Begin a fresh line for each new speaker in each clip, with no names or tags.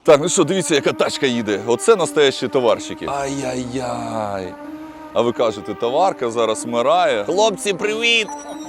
Так, ну що, дивіться, яка тачка їде. Оце настоящі товарщики. Ай-яй-яй. А ви кажете, товарка зараз вмирає. Хлопці, привіт!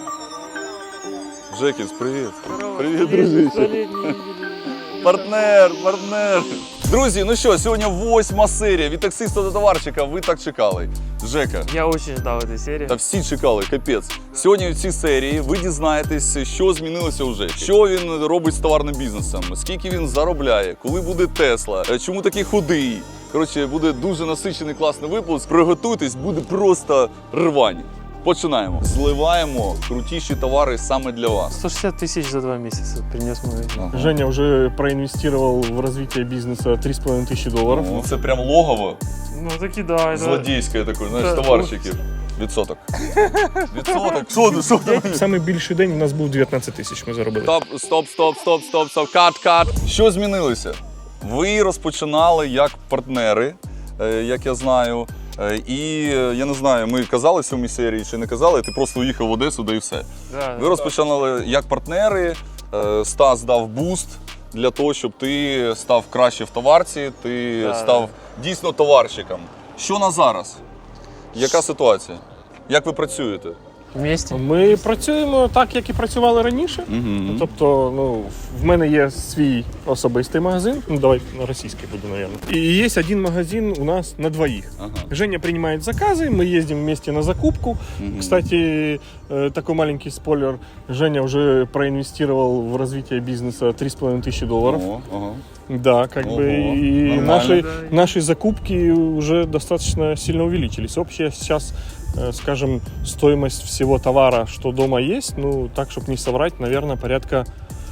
Жекіс, привіт. Привіт, дружище. Партнер. Друзі, ну що, сьогодні 8-ма серія від таксиста до товарщика. Ви так чекали. Жека.
Я очень ждал этой серии.
Та всі чекали, капець. Сьогодні в цій серії ви дізнаєтесь, що змінилося у Жекі. Що він робить з товарним бізнесом, скільки він заробляє, коли буде Тесла, чому такий худий. Коротше, буде дуже насичений класний випуск. Приготуйтесь, буде просто рвань. Починаємо. Зливаємо крутіші товари саме для вас.
160 тысяч за 2 месяца принес магазин.
Ага.
Женя уже проинвестировал в развитие бизнеса 3,5 тысячи долларов.
О, це прям логово
Ну таки да.
злодійське таке, знаєш,
Да.
товарщиків. Відсоток. Відсоток. Що ти?
Самый більший день у нас був 19 тисяч, ми заробили.
Стоп. Кат. Що змінилося? Ви розпочинали як партнери, як я знаю. І я не знаю, ми казали в цьому серії чи не казали, ти просто уїхав в Одесу, да і все.
Да,
Ви розпочинали як партнери, Стас дав буст для того, щоб ти став краще в товарці, ти став дійсно товарщиком. Що на зараз? Яка ситуація? Як ви працюєте?
Вместе.
Ми працюємо так, як і працювали раніше.
Угу.
Тобто, в мене є свій особистий магазин, давай на російський буду, наверное. І є один магазин у нас на двоих.
Ага.
Женя принимает заказы, мы ездим вместе на закупку. Кстати, такой маленький спойлер, Женя уже проинвестировал в развитие бизнеса 3,5 тысячи долларов.
Ага.
Да, как
Ого,
бы и
нормально.
наши закупки уже достаточно сильно увеличились. Общая сейчас, скажем, стоимость всего товара, что дома есть, ну, так, чтобы не соврать, наверное, порядка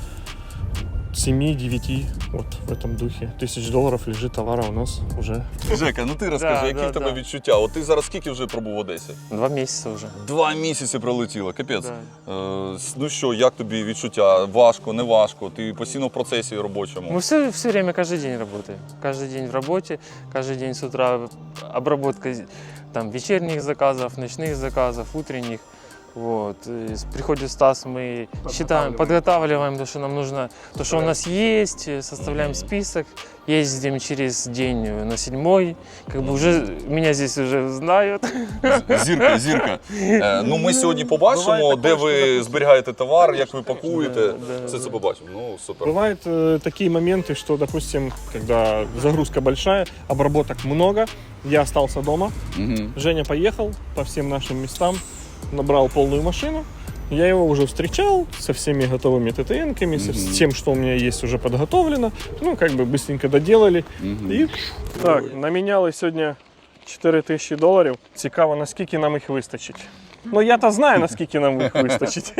7-9, вот в этом духе, тысяч долларов лежит товара у нас уже.
Жека, ну ти розкажи,
Да,
які в тебе
да.
відчуття? От ти зараз скільки вже пробув в Одесі?
2 месяца уже.
2 місяці пролетіло, капець.
Да.
Ну що, як тобі відчуття? Важко, не важко? Ти постійно в процесі робочому?
Мы все время, каждый день работаем. Каждый день в работе, каждый день с утра обработка там, вечерних заказов, ночных заказов, утренних. Вот. И приходит Стас, мы считаем, подготавливаем то, что нам нужно, то, что у нас есть, составляем список, ездим через день на 7-й, как бы уже меня здесь уже знают.
Зірка. Ну ми сьогодні побачимо, де ви зберігаєте товар, як ви пакуєте. Все це побачимо. Ну, супер.
Бывают такие моменты, что, допустим, когда загрузка большая, обработок много, я остался дома, Женя поехал по всем нашим местам, набрал полную машину, я его уже встречал со всеми готовыми ТТНками, с тем, что у меня есть уже подготовлено, ну, как бы быстренько доделали. І... Так, наміняли сьогодні 4 тисячі доларів. Цікаво, наскільки нам їх вистачить. Ну, я-то знаю, наскільки нам їх вистачить.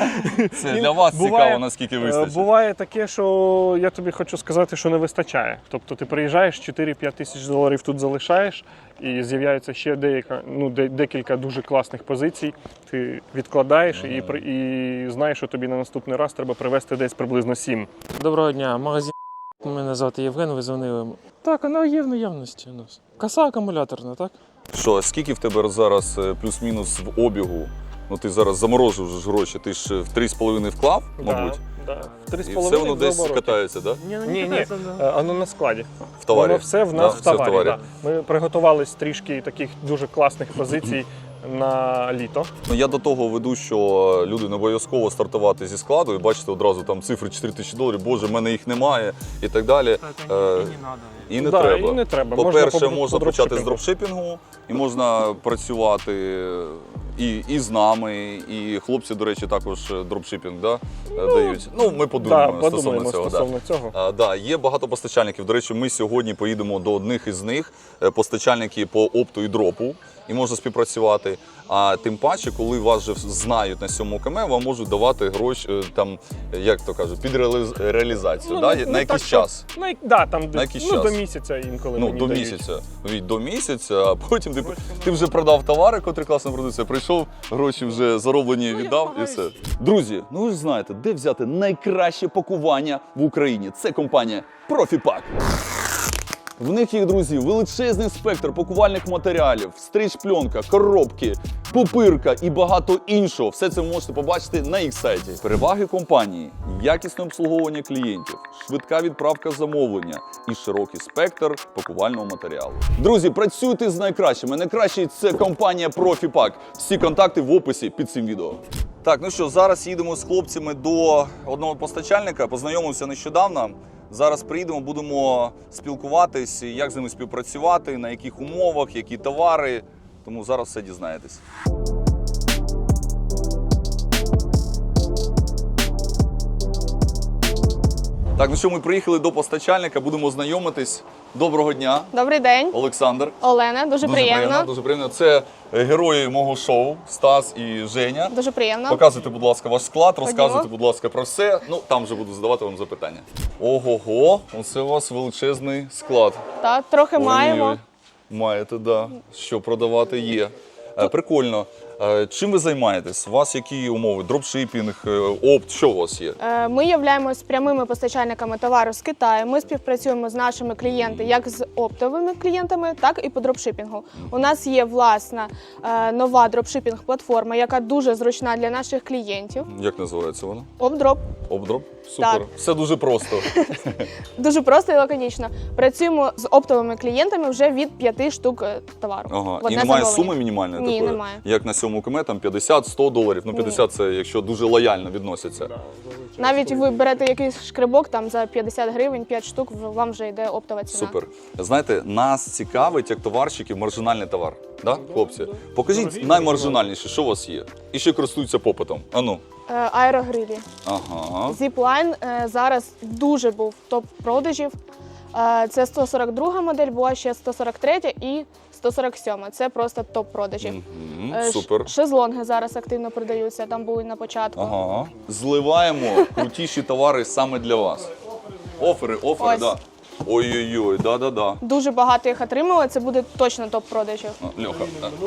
Це для вас цікаво, наскільки вистачить.
Буває таке, що я тобі хочу сказати, що не вистачає. Тобто ти приїжджаєш, 4-5 тисяч доларів тут залишаєш, і з'являється ще декілька дуже класних позицій. Ти відкладаєш і знаєш, що тобі на наступний раз треба привезти десь приблизно 7.
Доброго дня, магазин. Мене звати Євген, ви дзвонили. Так, вона є в наявності у нас. Коса акумуляторна, так?
Що, скільки в тебе зараз плюс-мінус в обігу? Ну ти зараз заморожив вже ж гроші, ти ж в 3,5 вклав, мабуть?
Да. В 3,5
І все воно десь катається, так? Да?
Ні, воно на складі.
В товарі?
Воно все в нас
Да,
в
все
товарі. Да. Ми приготувались трішки таких дуже класних позицій на літо.
Ну, я до того веду, що люди не обов'язково стартувати зі складу і бачите одразу там цифри 4 тисячі доларів, боже, в мене їх немає і так далі. І не треба.
І не треба.
По-перше, можна
по
почати з
дропшипінгу.
дропшипінгу, і можна працювати і з нами, і хлопці, до речі, також дропшипінг дають. Ну, ми подумаємо стосовно цього.
Стосовно цього.
Є багато постачальників. До речі, ми сьогодні поїдемо до одних із них, постачальники по опту і дропу, і можна співпрацювати. А тим паче, коли вас вже знають на 7 КМ, вам можуть давати гроші, там, як то кажуть, під реалізацію, на якийсь час.
На
якийсь час.
До місяця інколи мені
До
дають.
місяця. До місяця, а потім ти вже продав товари, котрі класно продаються, прийшов, гроші вже зароблені віддав і все. Друзі, ну ви ж знаєте, де взяти найкраще пакування в Україні. Це компанія Profipack. В них є, друзі, величезний спектр пакувальних матеріалів, стріч-пленка, коробки, пупирка і багато іншого. Все це ви можете побачити на їх сайті. Переваги компанії – якісне обслуговування клієнтів, швидка відправка замовлення і широкий спектр пакувального матеріалу. Друзі, працюйте з найкращими. Найкращий – це компанія Profipack. Всі контакти в описі під цим відео. Так, ну що, зараз їдемо з хлопцями до одного постачальника, познайомився нещодавно. Зараз приїдемо, будемо спілкуватись, як з ними співпрацювати, на яких умовах, які товари. Тому зараз все дізнаєтесь. Так, ну що, ми приїхали до постачальника, будемо знайомитись. Доброго дня.
Добрий день,
Олександр.
Олена. Дуже приємно.
Дуже приємно. Це герої мого шоу Стас і Женя.
Дуже приємно.
Показуйте, будь ласка, ваш склад,
Ходімо.
розказуйте, будь ласка, про все. Ну, там вже буду задавати вам запитання. Ого-го, оце у вас величезний склад.
Так, трохи маємо.
Ой-ой. Маєте, так. Да. Що продавати є. Прикольно. Чим ви займаєтесь? У вас які умови? Дропшипінг, опт, що у вас є?
Ми являємось прямими постачальниками товару з Китаю. Ми співпрацюємо з нашими клієнтами як з оптовими клієнтами, так і по дропшипінгу. У нас є власна нова дропшипінг-платформа, яка дуже зручна для наших клієнтів.
Як називається вона?
Опдроп.
Опдроп? Супер.
Так.
Все дуже просто.
Дуже просто і лаконічно. Працюємо з оптовими клієнтами вже від 5 штук товару.
Ага.
В
І
одне
немає
замовлення.
суми мінімальної
Ні,
такої?
немає.
Як на 7 км, там 50-100 доларів. Ну, 50 це якщо дуже лояльно відносяться.
Навіть ви берете якийсь шкребок там за 50 гривень, 5 штук, вам вже йде оптова ціна.
Супер. Знаєте, нас цікавить, як товарщиків, маржинальний товар. Да, хлопці? Покажіть наймаржинальніше, що у вас є. І ще користуються попитом. Ану.
Аерогрилі.
Ага.
Zipline зараз дуже був топ продажів. Це 142 модель, була ще 143 і 147. Це просто топ продажів.
Супер.
Шезлонги зараз активно продаються, там були на початку.
Ага. Зливаємо крутіші товари саме для вас. Офери,
Ось.
да. Ой-ой-ой, да-да-да.
Дуже багато їх отримали, це буде точно топ продажів.
Льоха.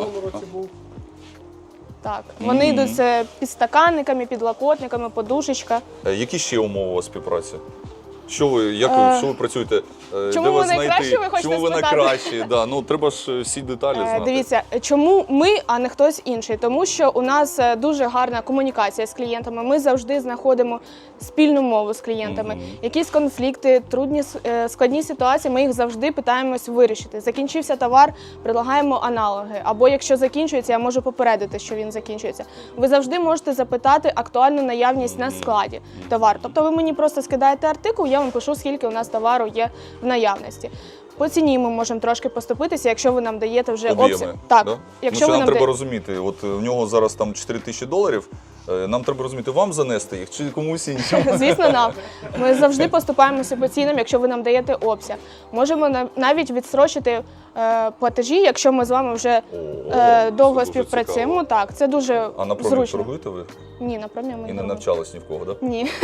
Так, вони йдуть з підстаканниками, підлокотниками, подушечка.
Які ще умови у вас співпраці? Що ви, що ви працюєте?
Чому
Де
ви
вас
найкращі,
знайти?
ви хочете
Чому ви
спитати?
найкращі? Да, ну треба ж всі деталі знати.
Дивіться, чому ми, а не хтось інший? Тому що у нас дуже гарна комунікація з клієнтами. Ми завжди знаходимо спільну мову з клієнтами. Якісь конфлікти, трудні, складні ситуації, ми їх завжди питаємось вирішити. Закінчився товар, предлагаємо аналоги. Або якщо закінчується, я можу попередити, що він закінчується. Ви завжди можете запитати актуальну наявність на складі товару. Тобто ви мені просто скидаєте артикул, я вам пишу, скільки у нас товару є в наявності. По ціні ми можемо трошки поступитися, якщо ви нам даєте вже
Об'єми,
Так,
да?
якщо
ну,
ви
нам
нам
треба
даєте...
розуміти, от в нього зараз там 4000 доларів, нам треба розуміти, вам занести їх чи комусь іншому?
Звісно, нам. Ми завжди поступаємося по цінам, якщо ви нам даєте обсяг. Можемо навіть відстрочити платежі, якщо ми з вами вже довго
дуже
співпрацюємо.
цікаво.
Так, це дуже
А на промі
зручно.
торгуєте ви?
Ні, на промі ми
І не
торгуємо.
навчались ні в кого, так? Да?
Ні.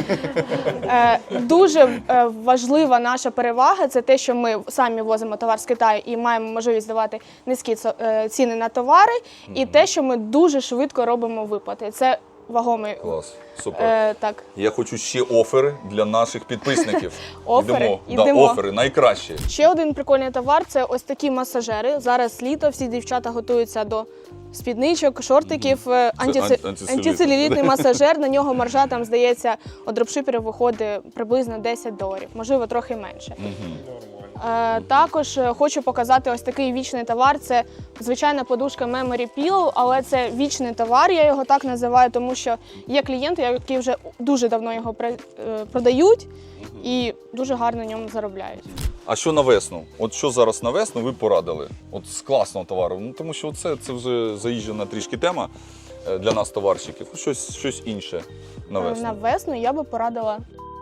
Дуже важлива наша перевага – це те, що ми самі возимо товар з Китаю і маємо можливість давати низькі ціни на товари, і те, що ми дуже швидко робимо виплати. Це вагомий.
Клас, супер.
Так.
Я хочу ще офери для наших підписників.
Офери?
Йдемо.
Йдемо.
Да, офери, найкращі.
Ще один прикольний товар – це ось такі масажери. Зараз літо, всі дівчата готуються до спідничок, шортиків. Антицелюлітний масажер, на нього маржа, там, здається, у дропшиперів виходить приблизно $10, можливо, трохи менше. Також хочу показати ось такий вічний товар. Це звичайна подушка Memory Pillow, але це вічний товар, я його так називаю, тому що є клієнти, які вже дуже давно його продають і дуже гарно на ньому заробляють.
А що на весну? От що зараз на весну ви порадили? От з класного товару. Ну, тому що це вже заїжджена трішки тема для нас, товарщиків. Щось інше на весну.
На весну я би порадила...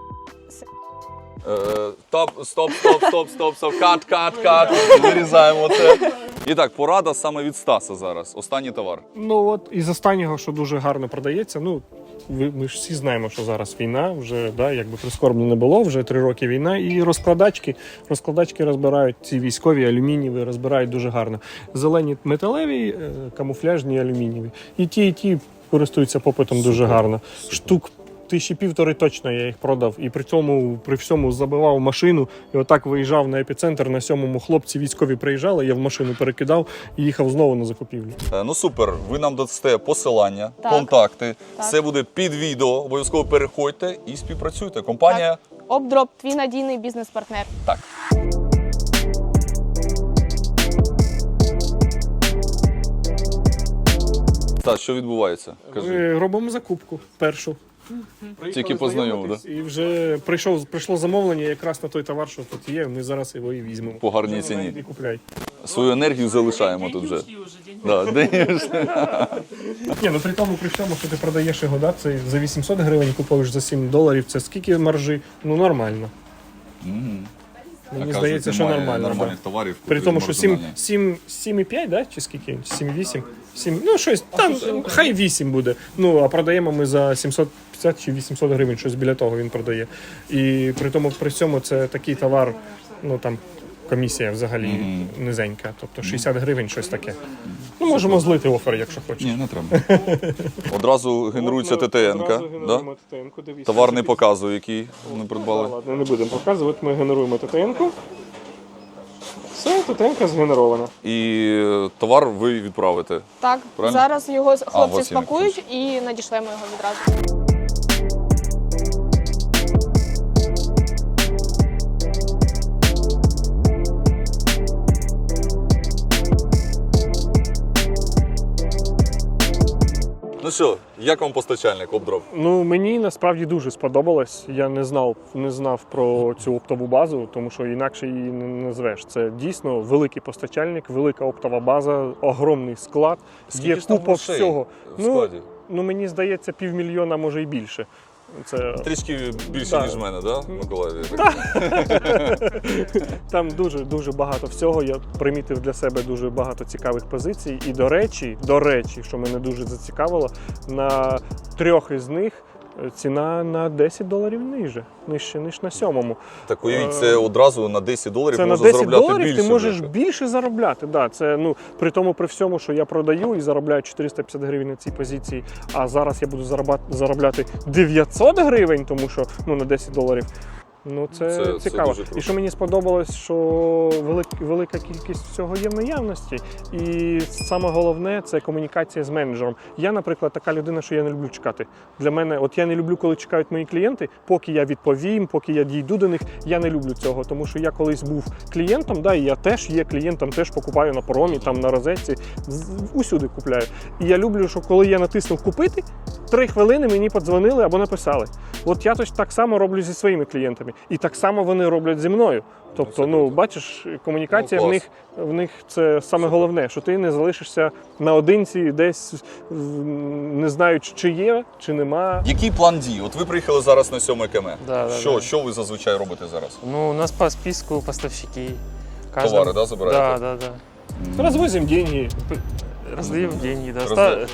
Стоп. Кат. Вирізаємо це. І так, порада саме від Стаса зараз. Останній товар.
Ну от із останнього, що дуже гарно продається, ну ми ж всі знаємо, що зараз війна, вже да, якби прискорбно не було, вже 3 роки війна, і розкладачки розбирають, ці військові, алюмінієві, розбирають дуже гарно. Зелені металеві, камуфляжні, алюмінієві. І ті користуються попитом дуже гарно. Штук 1500 точно я їх продав. І при всьому забивав машину. І отак виїжджав на епіцентр, на 7-му хлопці військові приїжджали, я в машину перекидав і їхав знову на закупівлю.
Ну супер, ви нам дасте посилання,
Так.
контакти,
Так.
все буде під відео, обов'язково переходьте і співпрацюйте. Компанія
Обдроп, твій надійний бізнес-партнер.
так. Так, що відбувається? Кажи.
Ми робимо закупку першу.
Тільки познайомив,
знайомитись, і вже прийшло замовлення якраз на той товар, що тут є, ми зараз його і візьмемо.
По гарній
Вже
ціні.
І купляй.
Свою енергію залишаємо тут вже. Да, денежні.
Ні, ну при всьому, що ти продаєш його, да, це за 800 гривень купуєш за $7, це скільки маржі? Ну нормально. Мені здається, що нормально.
Нормальних
Да.
товарів.
При тому, що
маржинальні.
7,5, да? Чи скільки? 7,8? 7, ну щось, там, хай 8 буде. Ну, а продаємо ми за 750 чи 800 гривень, щось біля того він продає. І при цьому це такий товар, ну там комісія взагалі низенька, тобто 60 гривень, щось таке. Ну, можемо злити офер, якщо хочеш.
Ні, не треба. Одразу генерується ТТН-ка. Да? Товар не показує, який ми придбали.
Ладно, не будемо показувати, ми генеруємо ТТН-ку. Все, ТТН-ка згенерована.
І товар ви відправите.
Так,
Правильно?
зараз його
у
хлопці
вас є
спакують і надішлемо його відразу.
Ну що, як вам постачальник Обдроп?
Ну, мені насправді дуже сподобалось. Я не знав про цю оптову базу, тому що інакше її не назвеш. Це дійсно великий постачальник, велика оптова база, огромний склад.
Скільки
Є
ж там
купа
грошей
всього.
в складі?
Ну, мені здається, 500 000, може і більше. Це
Трішки більше,
Так.
ніж в мене, да, Миколаїві?
там дуже багато всього. Я примітив для себе дуже багато цікавих позицій. І до речі, що мене дуже зацікавило, на 3 із них ціна на $10 нижче, ніж на 7-му.
Так уявіть, це одразу на $10
Це на
можна заробляти
$10
більше.
ти можеш
вже.
більше заробляти. Да, це, ну, при всьому, що я продаю і заробляю 450 гривень на цій позиції, а зараз я буду заробляти 900 гривень, тому що ну, на $10. Ну, це цікаво.
дуже круто.
І що мені сподобалось, що велика кількість всього є в наявності. І саме головне це комунікація з менеджером. Я, наприклад, така людина, що я не люблю чекати. Для мене, от я не люблю, коли чекають мої клієнти, поки я відповім, поки я дійду до них. Я не люблю цього, тому що я колись був клієнтом, да, і я теж є клієнтом, теж покупаю на Промі, там на Розетці, усюди купляю. І я люблю, що коли я натиснув купити, 3 хвилини мені подзвонили або написали. От я так само роблю зі своїми клієнтами. І так само вони роблять зі мною. Тобто, ну, бачиш, комунікація
Ну,
в них це саме головне, що ти не залишишся наодинці десь, не знаючи, чи є, чи нема.
Який план дій? От ви приїхали зараз на 7 КМ.
Да.
Що ви зазвичай робите зараз?
Ну, у нас по списку поставщики.
Товари, да, забираєте?
Да.
Розвозимо деньги.
Раздаем деньги, да.
Раздаем.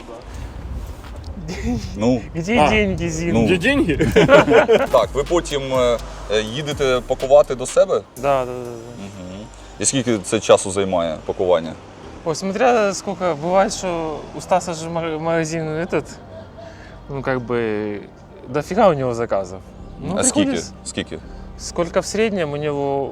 Ну,
Где деньги, Зин?
Ну.
Є деньги?
так, ви потім їдете пакувати до себе?
Да.
І скільки це часу займає пакування?
Ой, смотря сколько, бывает, что у Стаса же магазин этот, ну как бы, дофига у него заказов. Ну,
А скільки?
приходится-
Скільки?
Сколько в среднем у него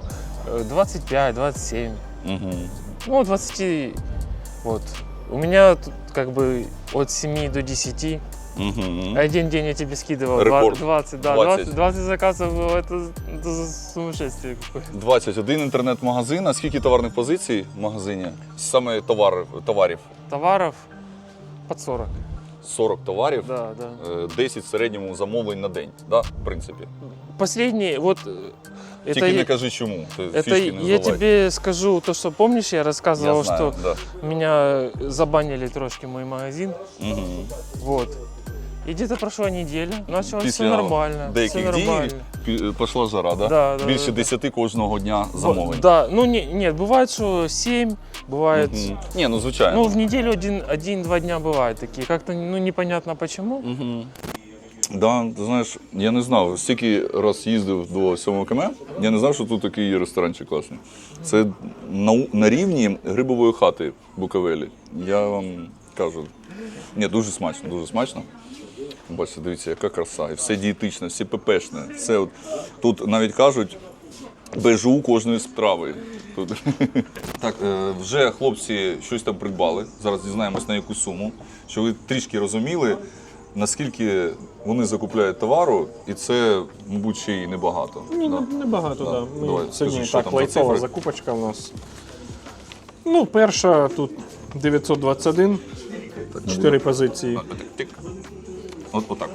25-27.
Угу.
Ну, 20, вот. У меня тут как бы от 7 до 10.
Угу.
Один день я тебе скидывал
Рекорд.
20, да,
20.
20 заказов, это сумасшествие какое.
21 інтернет-магазин, а скільки товарних позицій в магазині? Саме товарів?
Товаров под 40.
40 товарів,
Да.
10 в середньому замовлень на день, да, в принципі.
Последний, вот
Тільки
это,
не кажи чому, ти
это
фішки не
я
здавай.
тебе скажу то, что помнишь, я рассказывал,
Я знаю,
что
да.
меня забанили трошки мой магазин.
Угу.
Вот. И где-то прошла неделя, началось все нормально. Все
деяких
нормально.
дій пішла жара, да?
Да,
Більше
да.
10 кожного дня замовлень.
Да, ну нет, бывает, что 7, бывает.
Мгм. Ні, ну звичайно.
Ну, в неделю 1-2 дня бывают такие. Как-то ну, непонятно почему.
Угу. Да, ти знаєш, я не знав, стільки раз їздив до 7 КМ, я не знав, що тут такий є ресторанчик класний. Це на рівні грибової хати в Буковелі. Я вам кажу, ні, дуже смачно, дуже смачно. Бачите, дивіться, яка краса. І все дієтичне, все ППшне. Все от, тут навіть кажуть, бежу кожної страви. Тут. Так, вже хлопці щось там придбали. Зараз дізнаємось на яку суму. Щоб ви трішки розуміли, наскільки вони закупляють товару, і це, мабуть, ще й небагато.
Ні,
Да?
небагато,
Да.
так. Да.
Давай,
Ми
скажи,
сьогодні
що
так,
там за
лайтова
цифри?
закупочка у нас. Ну, перша тут 921, 4 позиції.
Тик. Отак.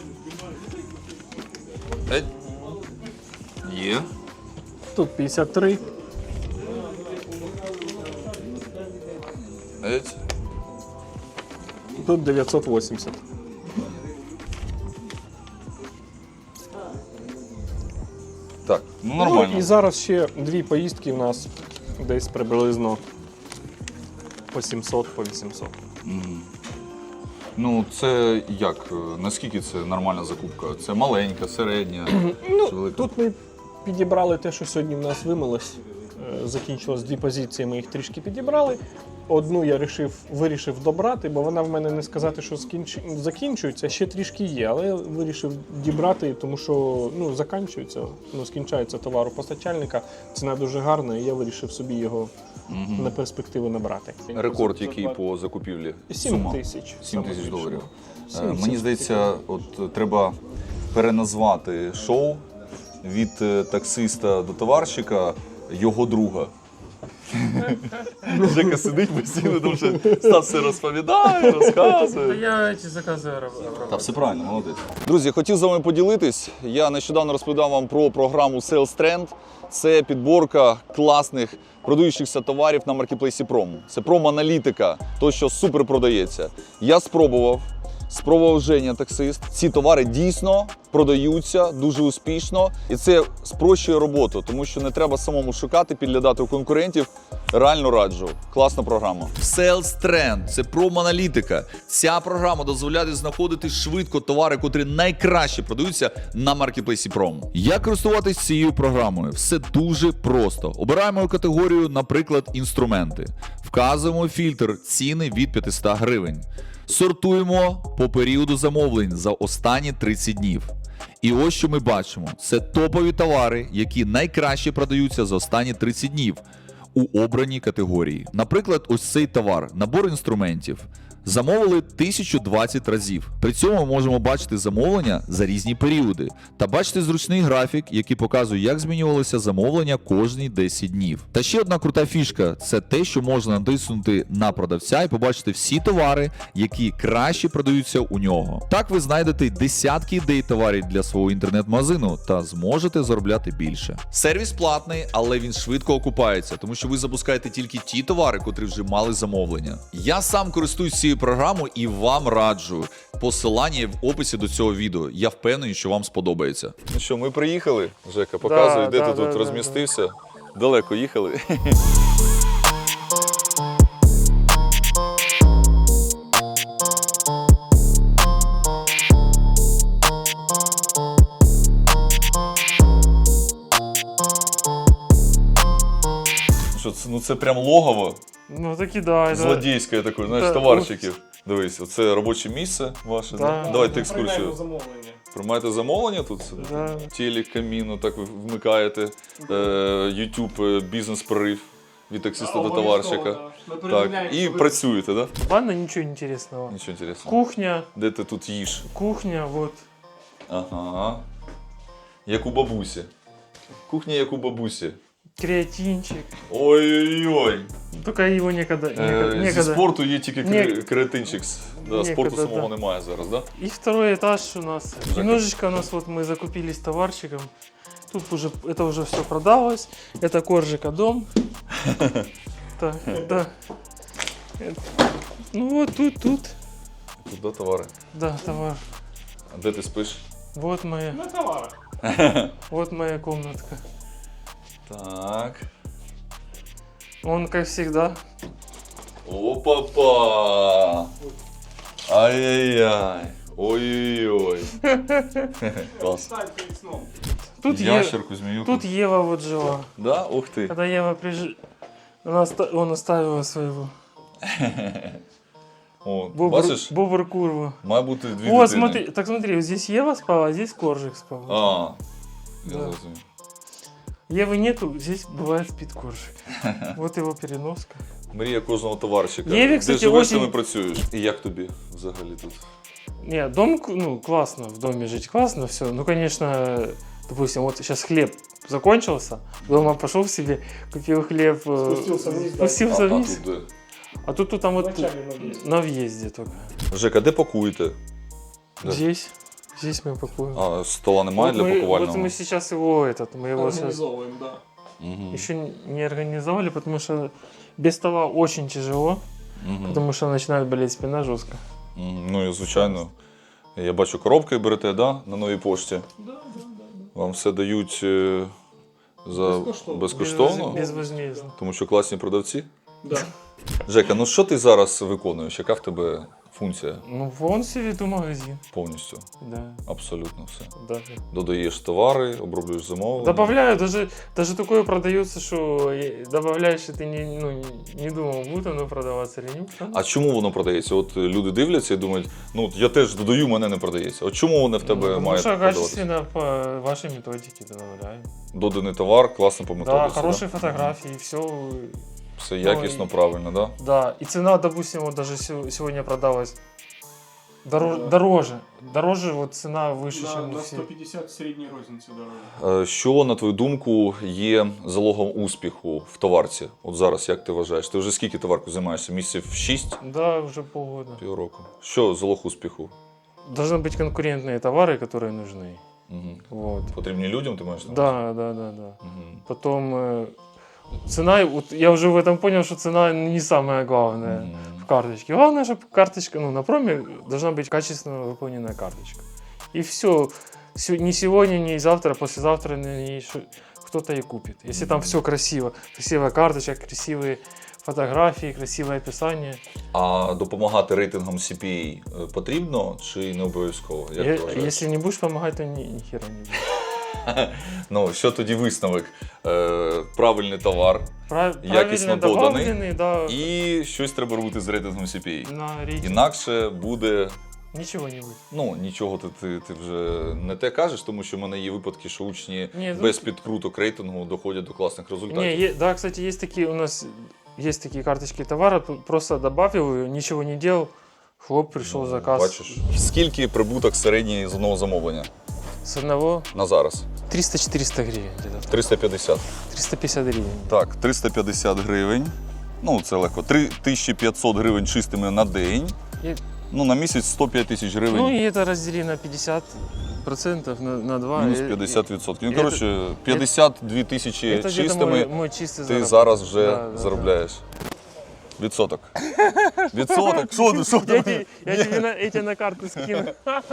Є.
Тут 53. Тут 980.
Так, ну нормально.
Ну, і зараз ще 2 поїздки у нас десь приблизно по 700, по 800.
Ну, це як? Наскільки це нормальна закупка? Це маленька, середня чи велика?
Тут ми підібрали те, що сьогодні в нас вимилось. Закінчилось 2 позиції, ми їх трішки підібрали. Одну я вирішив добрати, бо вона в мене не сказати, що закінчується, ще трішки є, але я вирішив дібрати, тому що скінчається товар у постачальника, ціна дуже гарна, і я вирішив собі його на перспективу набрати.
Рекорд який по закупівлі?
7
Сума?
тисяч.
7 тисяч доларів.
7
Мені здається, от треба переназвати шоу від таксиста до товарщика його друга. Жека сидить постійно, тому що Стас все розповідає, розказує.
Я ці закази обрабатываю.
Та все правильно, молодець. Друзі, хотів з вами поділитись. Я нещодавно розповідав вам про програму Sales Trend. Це підборка класних продаючихся товарів на маркетплейсі Promo. Це промо-аналітика, то, що супер продається. Я спробував Женя, таксист. Ці товари дійсно продаються дуже успішно. І це спрощує роботу, тому що не треба самому шукати, підглядати у конкурентів. Реально раджу. Класна програма. Sales Trend – це промо-аналітика. Ця програма дозволяє знаходити швидко товари, котрі найкраще продаються на маркетплейсі Promo. Як користуватись цією програмою? Все дуже просто. Обираємо категорію, наприклад, інструменти. Вказуємо фільтр ціни від 500 гривень. Сортуємо по періоду замовлень за останні 30 днів. І ось що ми бачимо. Це топові товари, які найкраще продаються за останні 30 днів у обраній категорії. Наприклад, ось цей товар – набор інструментів. Замовили 1020 разів. При цьому ми можемо бачити замовлення за різні періоди та бачити зручний графік, який показує, як змінювалися замовлення кожні 10 днів. Та ще одна крута фішка – це те, що можна натиснути на продавця і побачити всі товари, які краще продаються у нього. Так ви знайдете десятки ідей товарів для свого інтернет-магазину та зможете заробляти більше. Сервіс платний, але він швидко окупається, тому що ви запускаєте тільки ті товари, котрі вже мали замовлення. Я сам користуюсь цією програму і вам раджу. Посилання є в описі до цього відео. Я впевнений, що вам сподобається. Ну що, ми приїхали, Жека, показуй, де ти тут розмістився. Далеко їхали. Що, це прям логово
Ну таки да.
злодійське таке, знаєш,
Да.
товарщиків. Дивись, оце робоче місце ваше.
Да.
Давайте екскурсію.
замовлення.
Приймаєте замовлення тут?
Да.
Телек, каміну, так ви вмикаєте. YouTube бізнес-прорив від таксиста до товарщика. Так, і працюєте, так? Да?
Ладно, ничего интересного.
Нічого інтересного.
Кухня,
Де ти тут їш?
кухня, вот.
Ага. Як у бабусі. Кухня як у бабусі.
Креатинчик.
Ой-ой-ой.
Только его некогда.
Зі
некогда.
спорту є тільки
Ні-
креатинчик. Да, спорту
Некогда,
самого
да.
немає зараз, да?
И второй этаж у нас. Немножечко у нас вот мы закупились товарщиком. Тут уже это уже все продалось. Это Коржика дом. Так, да. Ну вот тут.
Тут, да, товари.
Да, товар.
А де ти спиш?
Вот моя.
На товарах.
Вот моя комнатка.
Так.
Он, как всегда.
Опа-па! Ай-яй-яй! Ой-ой-ой! Клас.
Тут,
Ящерку, змеюку.
тут Ева вот жила.
Да? Ух ты!
Когда Ева он оставила своего.
О, бачиш?
Бобр курва.
Має бути дві
Вот,
дитини.
смотри, так смотри, вот здесь Ева спала, а здесь Коржик спал.
А, я
Да.
зрозумів.
Евы нету, здесь бывает спит Коржик. Вот его переноска.
Мрія кожного товарищика.
Єві,
Де
кстати,
живеш,
очень-
там і працюєш. І як тобі взагалі тут?
Не, дом, ну, классно, в доме жить классно, все. Ну, конечно, допустим, вот сейчас хлеб закончился, дома пошел себе, купил хлеб,
Спустился вниз, да.
спустился
А
вниз.
тут де?
А тут там вот
Вначале на въезде.
на въезде только.
Жека, де пакуєте? Да.
Здесь мы пакуем.
А стола немає
Вот
для
мы,
пакувального?
вот мы сейчас его, мы его сейчас
Организовываем, да.
Мгм.
еще не организовали, потому что без стола очень тяжело,
Мгм.
потому что начинает болеть спина жестко.
Мгм. Ну і звичайно. Я бачу, коробки берете, да? На новій пошті.
Да.
Вам все дають за
Безкоштовно.
безкоштовно,
Безвозмездно.
тому що класні продавці.
Да.
Жека, ну що ти зараз виконуєш? Яка в тебе функція
Ну, вон себе веду магазин.
повністю?
Да,
Абсолютно все.
да.
Додаєш товари, оброблюєш замовлення.
Добавляю, даже такое продается, что добавляешь, и ты не думал, будет оно продаваться или нет.
А чому воно продається? От люди дивляться і думають, ну от я теж додаю, мене не продається. От чому воно в тебе
Потому
має
что
продаватися?
качественно по вашей методике добавляю.
Доданий товар, класно по
Да,
методиці.
хорошие фотографии, все.
Все якісно,
и-
правильно, да?
Да, и цена, допустим, вот даже сегодня продалась дороже, вот цена выше, чем у
На
всех.
150 средней розницы дороже.
Що, на твою думку, є залогом успіху в товарці? От зараз, як ти вважаєш? Ти вже скільки товарку займаєшся? Місяців 6?
Да, уже полгода.
Півроку. Що залог успіху?
Должны быть конкурентные товары, которые нужны.
Угу.
Вот.
Потрібні людям, ти маєш на увазі?
Да.
Угу.
Потом цена, вот я уже в этом понял, что цена не самое главное в карточке. Главное, чтобы карточка, ну, на проме должна быть качественно выполненная карточка. И все. Ни сегодня, ни завтра, послезавтра на ней кто-то и купит. Если там все красиво, красивая карточка, красивые фотографии, красивое описание.
А допомагати рейтингам CPA потрібно чи не обов'язково? Як ти вважаєш?
Если не будешь помогать, то ни хера не будет.
Ну, що тоді висновок? Правильний товар якісно
Правильно
доданий,
добавленный, да,
і щось треба робити з рейтингом CPA.
на рейтинг.
Інакше буде,
Ничего не будет.
ну, нічого ти вже не те кажеш, тому що в мене є випадки, що учні
Ні,
без підкруток рейтингу доходять до класних результатів.
Да, кстати, есть такие у нас есть такие карточки товара, просто добавил ее, ничего не делал, хлоп, пришел заказ.
Бачиш, скільки прибуток середній з одного замовлення
С одного
на зараз?
300-400 гривен где-то.
350.
350 гривен.
Так, 350 гривень. Ну, це легко. 3500 гривень чистими на день.
И-
Ну, на місяць 105 тисяч гривень.
Ну и это раздели на 50% на 2.
Мінус 50%. Ну, коротше, 52 тисячі
Это где-то
чистими
мой чистый
ти
заработок.
зараз вже
Да.
заробляєш. Відсоток. Відсоток? Що ти?
Я тебе эти на карту скину.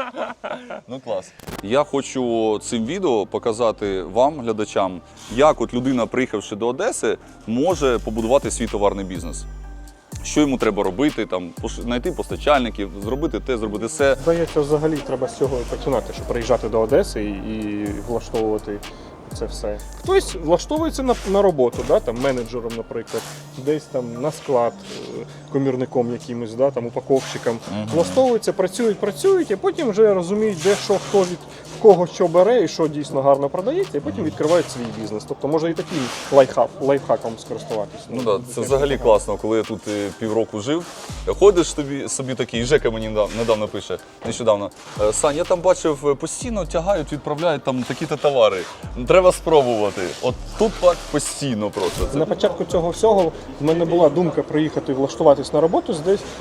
Ну клас. Я хочу цим відео показати вам, глядачам, як от людина, приїхавши до Одеси, може побудувати свій товарний бізнес. Що йому треба робити, там, знайти постачальників, зробити те, зробити все.
Здається, взагалі треба з цього починати, щоб приїжджати до Одеси і влаштовувати це все. Хтось влаштовується на роботу, да, там, менеджером, наприклад, десь там на склад, комірником якимось, да, там, упаковщиком. Влаштовуються, працюють, а потім вже розуміють, де що, хто від кого що бере і що дійсно гарно продається, і потім відкривають свій бізнес. Тобто може і таким лайфхаком скористуватися.
Ну так, це взагалі класно, коли я тут півроку жив. Ходиш собі такий, Жека мені недавно пише, нещодавно. Сань, я там бачив, постійно тягають, відправляють там такі-то товари. Треба спробувати. От тут так постійно просто.
На початку цього всього в мене була думка приїхати і влаштуватись на роботу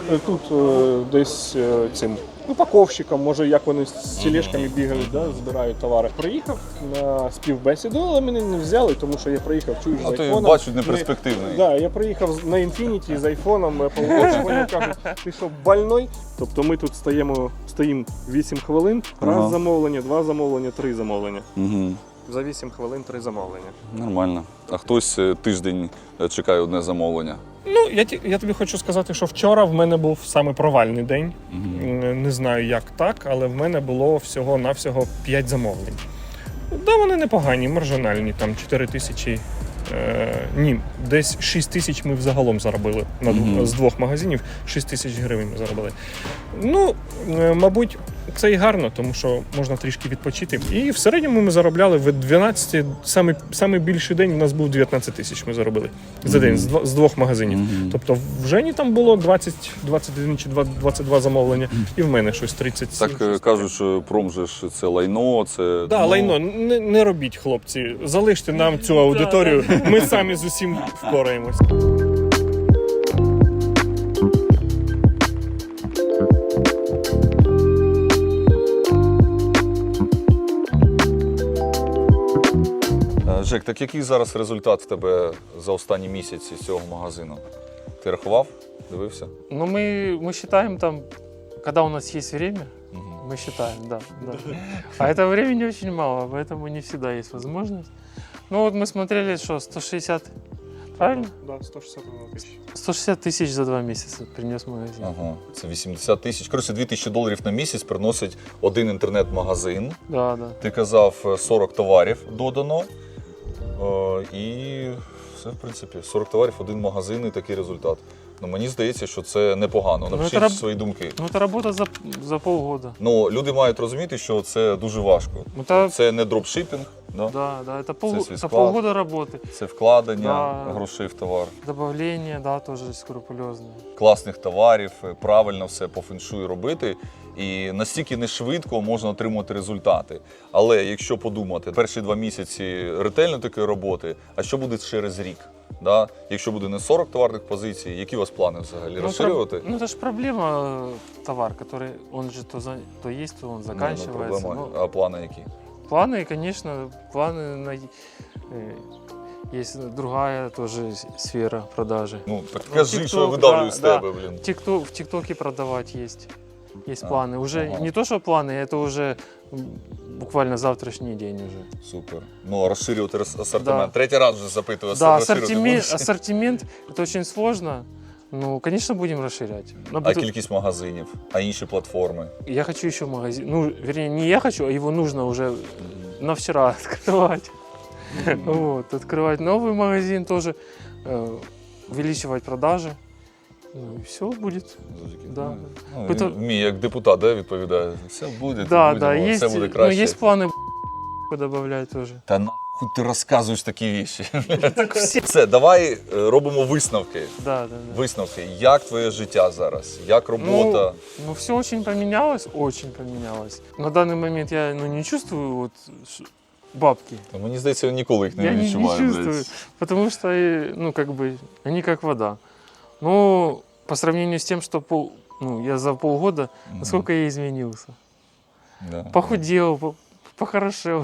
десь цим упаковщиком, може як вони з тележками бігають, да, збирають товари. Приїхав на співбесіду, але мене не взяли, тому що я приїхав, чуєш, з
А ти
айфоном.
бачать неперспективний.
Да, я приїхав на Infiniti з айфоном, Apple Watch, вони кажуть, ти що, больной? Тобто ми тут стоїмо 8 хвилин, раз замовлення, 2 замовлення, 3 замовлення.
Угу.
За 8 хвилин 3 замовлення.
Нормально. А хтось тиждень чекає одне замовлення.
Ну, я тобі хочу сказати, що вчора в мене був саме провальний день. Не знаю, як так, але в мене було всього-навсього 5 замовлень. Да, вони непогані, маржинальні, там 4 тисячі Ні, десь 6 тисяч ми взагалом заробили. З 2 магазинів 6 тисяч гривень ми заробили. Ну, мабуть, це і гарно, тому що можна трішки відпочити. І в середньому ми заробляли в 12, самий більший день у нас був 19 тисяч ми заробили за день з 2 магазинів. Тобто в Жені там було 21 чи 22 замовлення, і в мене щось 30.
Так кажуть, що промжеш це лайно, це...
Да, лайно, не робіть, хлопці. Залиште нам цю аудиторію, ми самі з усім впораємось.
Жек, так який зараз результат в тебе за останні місяці з цього магазину? Ти рахував? Дивився?
Ну, мы считаем там, когда у нас есть время, мы считаем, да. А этого времени очень мало, поэтому не всегда есть возможность. Ну, вот мы смотрели, что 160, правильно?
Да, 160 тисяч.
160 тысяч за 2 месяца принес магазин.
Ага, це 80 тисяч. Коротше, $2000 на місяць приносить один інтернет-магазин.
Да, да.
Ти казав, 40 товарів додано. І все, в принципі, 40 товарів, один магазин і такий результат. Ну, мені здається, що це непогано. Напишіть свої думки.
Ну, это работа за полгода.
Ну, люди мають розуміти, що це дуже важко. Це не дропшипінг, да?
Да, это,
свій
полгода работы.
Це вкладення
Да.
грошей в товар.
Добавление, да, тоже скрупулезное.
Класних товарів, правильно все по феншую робити. І настільки не швидко можна отримати результати. Але якщо подумати, перші 2 місяці ретельно такої роботи, а що буде через рік? Да? Якщо буде не 40 товарних позицій, які у вас плани взагалі? Розширювати?
Ну, это же проблема товар, который, он же то есть, то он заканчивается.
Проблема. А плани які?
Планы, конечно, есть другая тоже сфера продажи.
Ну, так кажи, що я видавлю з тебе, блін.
В ТикТоке продавать есть планы. Уже не то, что планы, это уже буквально завтрашний день уже.
Супер. Ну, а розширювати асортимент.
Да.
Третій раз вже запитую.
Да,
розширювати
ассортимент, это очень сложно. Ну, конечно, будем расширять.
А кількість магазинів, а інші платформи?
Я хочу еще магазин. Ну, вернее, не я хочу, а его нужно уже на вчера открывать. Вот, открывать новый магазин тоже, увеличивать продажи. Ну и все будет. Да.
Ну, мій як депутат, да, відповідає. Все буде,
Да,
будемо,
есть,
все буде
ну,
краще.
есть планы добавлять тоже.
Та нахуй ти розказуєш такі віші. Все, давай робимо висновки.
Да.
Висновки. Як твоє життя зараз? Як робота?
Ну, все очень поменялось, очень поменялось. На данный момент я не чувствую вот бабки.
Мені здається, ніколи їх
Я
не
не
відчуваю.
чувствую, потому что, ну, как бы, они как вода. Ну, по сравнению с тем, что я за полгода, насколько я изменился.
Да.
Похудел, похорошел.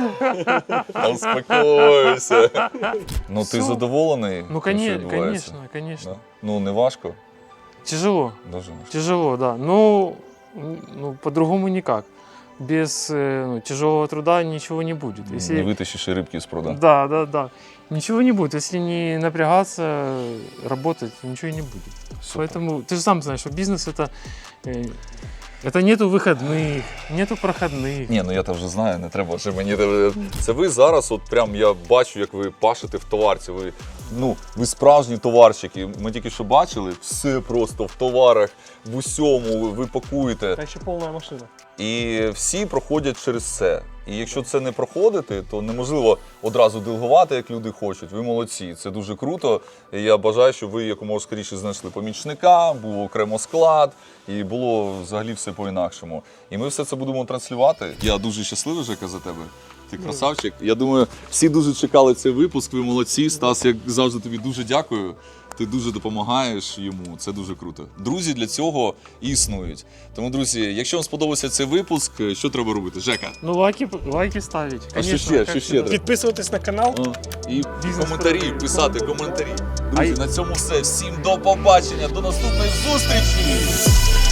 Успокойся. Ну, ти задоволений?
Ну,
тим, що відбувається?
конечно.
Да? Ну, не важко?
Тяжело,
Дуже важко.
тяжело, да. Ну, по-другому никак. Без тяжелого труда ничего не будет. Если...
Не вытащишь и рыбки из пруда.
Да. Ничего не будет. Если не напрягаться, работать, ничего не будет.
Супер.
Поэтому ты же сам знаешь, что бизнес это нету выходных, нету проходных.
Ні, ну я то вже знаю, не треба вже мені. Це ви зараз, от прям я бачу, як ви пашете в товарці. Ви справжні товарщики. Ми тільки що бачили, все просто в товарах, в усьому ви пакуєте.
Та ще повна машина.
І всі проходять через це. І якщо це не проходити, то неможливо одразу делегувати, як люди хочуть. Ви молодці, це дуже круто. І я бажаю, щоб ви якомога скоріше знайшли помічника, був окремо склад, і було взагалі все по-інакшому. І ми все це будемо транслювати. Я дуже щасливий, Жека, за тебе. Ти красавчик. Я думаю, всі дуже чекали цей випуск, ви молодці. Стас, як завжди, тобі дуже дякую. Ти дуже допомагаєш йому, це дуже круто. Друзі для цього існують. Тому, друзі, якщо вам сподобався цей випуск, що треба робити? Жека?
Ну, лайки ставить.
А
Конечно,
що
как
ще треба?
Підписуватись на канал.
І коментарі, писати коментарі. Друзі, на цьому все. Всім до побачення, до наступної зустрічі!